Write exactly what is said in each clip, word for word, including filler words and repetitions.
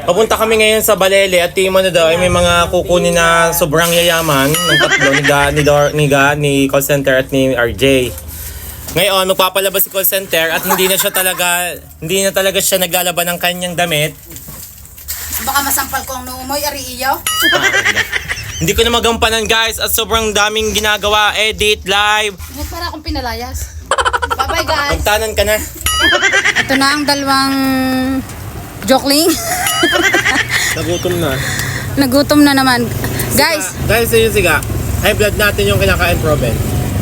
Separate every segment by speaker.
Speaker 1: Papunta kami ngayon sa Balele at tingin mo na daw ay may mga kukunin na sobrang yayaman ng tatlo ni Ga, ni Dor, ni Ga, ni call center at ni R J. Ngayon, magpapalabas si call center at hindi na siya talaga, hindi na talaga siya naglalaban ng kanyang damit.
Speaker 2: Baka masampal ko ang nuumoy, ari iyo.
Speaker 1: Hindi ko na magampanan guys at sobrang daming ginagawa, edit, live.
Speaker 2: Hindi para akong pinalayas. Bye-bye guys.
Speaker 1: Magtanan ka na.
Speaker 2: Ito na ang dalawang jokling.
Speaker 1: Nagutom na.
Speaker 2: Nagutom na naman. Guys,
Speaker 1: Dahil sa yun siga, high blood natin yung kinakain proven.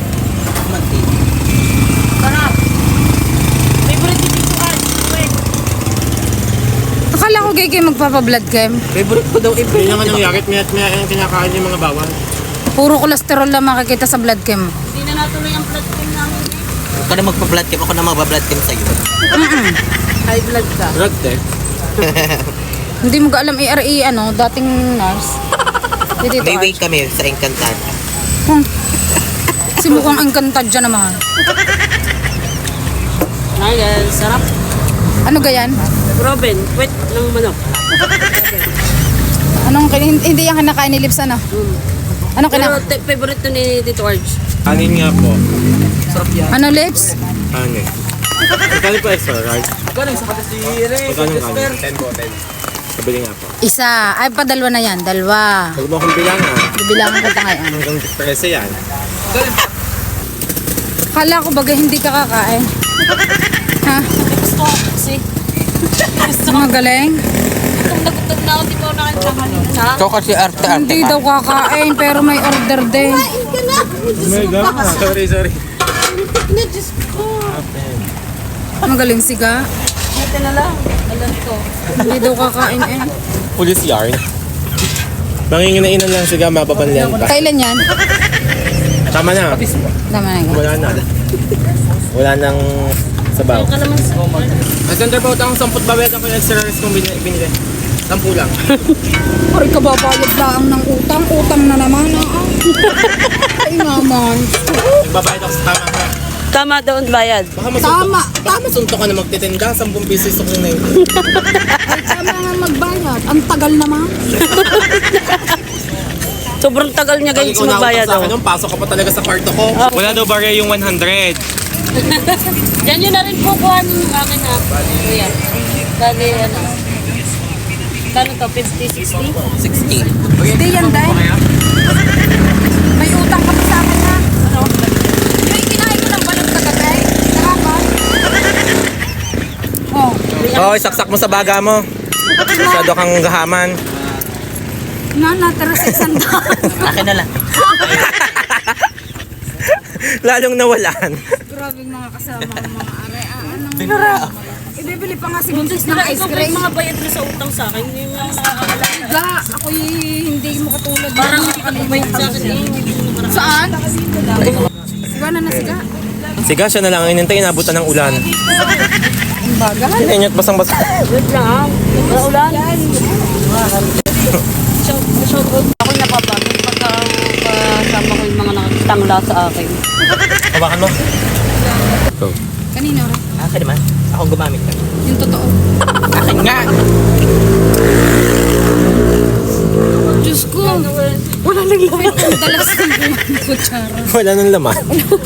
Speaker 2: sarap. Favorite dito ay. Wait. Akala ko gay kayo magpapa-blood chem.
Speaker 1: Favorite ko daw iba. Hindi naman nangyari, mayat maya yung kinakain yung mga bawal.
Speaker 2: Puro kolesterol lang makikita sa blood chem.
Speaker 3: Hindi na natuloy ang blood chem namin eh.
Speaker 4: Huwag ka na magpa-blood cam. Ako na magpa-blood cam sa'yo.
Speaker 3: High blood ka.
Speaker 1: Drug test.
Speaker 2: Hindi mo ka alam i-R E, ano, dating nurse. Dito
Speaker 4: May way kami sa Encantada.
Speaker 2: Hmm. Si mukhang engkantad dyan naman.
Speaker 3: Ay guys, sarap.
Speaker 2: Ano gayan?
Speaker 3: Proven, wet ng manok.
Speaker 2: Anong kin- hindi yung kinakain ni Lips, ano? Ano
Speaker 3: Pero
Speaker 2: kinakain?
Speaker 3: te- favorite to ni Tito Arj.
Speaker 1: Anin nga po.
Speaker 2: Ano Lips?
Speaker 1: Anin. Magkano po extra, right? Magkano nga? ten po, ten. Kabili nga po.
Speaker 2: Isa. Ay, pa dalawa na yan. Dalawa.
Speaker 1: Huwag mo akong bilangan.
Speaker 2: Bibilangan ko ngayon.
Speaker 1: Hanggang trese yan.
Speaker 2: Kala ko baga hindi ka kakain. Ha?
Speaker 3: Gusto ko kasi. Gusto ko.
Speaker 2: Magaling?
Speaker 3: Gutom na gutom na ako, di ba ako nakita kanina. Ha?
Speaker 4: Ikaw kasi arte-arte
Speaker 2: Hindi
Speaker 4: ka.
Speaker 2: daw kakain pero may order din.
Speaker 3: Ka na!
Speaker 1: Oh my God. Sorry, sorry.
Speaker 3: Na, Diyos ko.
Speaker 2: Magaling siga.
Speaker 3: Ito na lang. Alam ko.
Speaker 2: Hindi daw kakain eh.
Speaker 1: Police yarn. Manginginainan lang siga, mapapanlian pa.
Speaker 2: Kailan yan?
Speaker 1: Tama na.
Speaker 2: Tama na yan.
Speaker 1: Wala na. Wala nang sabaw.
Speaker 3: Yung kalamansi.
Speaker 1: Ang center po, ang samput babet ako yung extra rice kong binili. binili. Sampu lang.
Speaker 2: Ay, kababayad lang ng utang. Utang na naman. Ah. Ay naman.
Speaker 1: Nagbabayad ako sa tama ha.
Speaker 3: Tama daw ang bayad.
Speaker 1: Baka masuntok,
Speaker 2: Tama.
Speaker 1: baka masuntok ka na magtitinda. Sampung piso ko na yun.
Speaker 2: Ay, tama nga magbayad. Ang tagal naman.
Speaker 3: Sobrang tagal niya guys
Speaker 1: Ikaw
Speaker 3: magbayad
Speaker 1: sa
Speaker 3: daw.
Speaker 1: akin nung pasok ka pa talaga sa kwarto ko. Wala daw barya yung one hundred.
Speaker 3: Diyan yun na rin po kuha ng akin ha. Kuya. Bali ano. Kano to? fifty, sixty?
Speaker 4: sixty.
Speaker 2: Hindi yan, Day. May utang ka pa sa akin ha. Ano? Yung kinain ko ng balot kagabi. Nakaka. Oh.
Speaker 1: Oo, oh, saksak mo sa baga mo. Masyado kang gahaman.
Speaker 2: Na, natira sa isang daan.
Speaker 4: Akin na lang.
Speaker 1: Lalong nawalan.
Speaker 2: Grabe mga kasama ang mga are. Ah, anong ibibili pa nga si Buntis ng ice
Speaker 3: Ikaw ba
Speaker 2: cream.
Speaker 3: yung mga bayad mo sa utang sa akin? Hindi mo nakakala.
Speaker 2: Ga, ako hindi mo katulad.
Speaker 3: Parang hindi ka bayad sa akin eh. Hindi mo nakaraan.
Speaker 2: Saan? Siga na na siga.
Speaker 1: Siga, siya na lang. Inintay, inabutan ng ulan.
Speaker 2: Ang bagal.
Speaker 1: Kinainit basang-basa.
Speaker 3: Wait lang ah. Wala ulan. Shout shout out ako napapagod pagka kasama ko yung mga nakatangla sa akin.
Speaker 1: Hawakan mo. Go.
Speaker 2: Kanino rin?
Speaker 4: Akin naman. Ako gumamit ka.
Speaker 2: Yung totoo.
Speaker 4: Akin nga.
Speaker 2: Diyos ko. Wala nang laman. Ang dalas ng kutsara.
Speaker 1: Wala nang laman.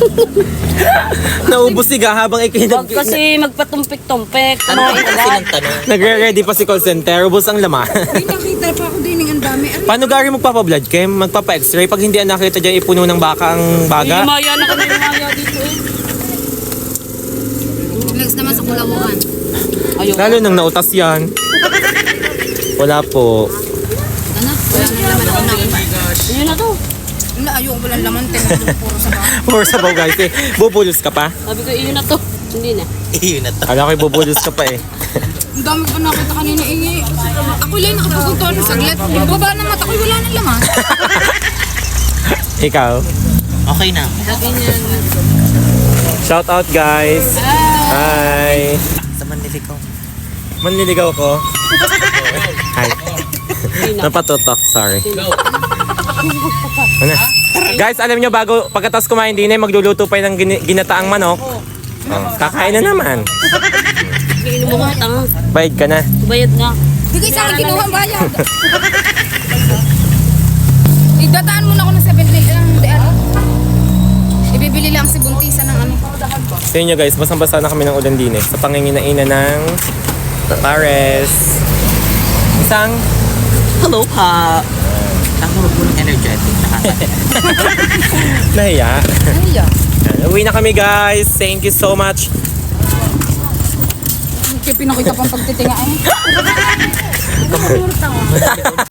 Speaker 1: Naubos siga habang ikinag...
Speaker 3: Huwag kasi magpatumpik-tumpik.
Speaker 4: Ano
Speaker 3: Kumain
Speaker 4: kasi
Speaker 3: agad.
Speaker 4: ng tanong?
Speaker 1: Nagre-ready pa si call center. Ubos ang laman.
Speaker 2: Ay, nakita pa ako din ng ang dami. Ano?
Speaker 1: Paano gari magpapa-blood chem? Magpapa-x-ray? Pag hindi ang nakita dyan, ipuno ng baka ang baga?
Speaker 3: Lumaya na kami lumaya dito eh.
Speaker 2: Next naman sa Kulawan.
Speaker 3: Ayun.
Speaker 1: Lalo nang nautas yan. Wala po.
Speaker 2: Ano? Wala nang laman ako na.
Speaker 3: Ayun na to.
Speaker 2: Wala, ayoko walang laman. Tinanong puro sa baka.
Speaker 1: Or sabaw guys eh. Bubulos ka pa?
Speaker 3: Sabi ko, iyon na to. Hindi na.
Speaker 4: Iyon na to.
Speaker 1: Kala ko'y bubulos ka pa eh.
Speaker 2: Ang dami pa nakita kanina ingi. Ako lang nakapaguntuan ng saglit. Baba ng mata ko, wala nang laman.
Speaker 1: Ikaw?
Speaker 4: Okay na.
Speaker 1: Shout out guys. Hi.
Speaker 4: Sa Manila ko.
Speaker 1: Manliligaw ko. Hi. Napatutok, sorry. Ano? Guys, alam nyo, bago pagkatas kumain din eh, magluluto pa ng gini- ginataang manok. Oh, kakain na naman.
Speaker 3: Iinom mo ka, tanga.
Speaker 1: Bayad ka na.
Speaker 3: Bayad nga.
Speaker 2: Bigay sa akin kinuha ang bayad. Idataan mo na ako ng seven eleven lang. Hindi ano. Ibibili lang si Buntisan ng ano.
Speaker 1: Sa inyo guys, basang-basa na kami ng ulan din eh. Sa panginginainan ng pares. Isang
Speaker 4: Hello, pa. Ang mabulang energetic.
Speaker 1: nahiya.
Speaker 2: Ay, yeah.
Speaker 1: Yan, uwi na kami guys. Thank you so much.
Speaker 2: Kaya pinakita pang pagtitinga eh.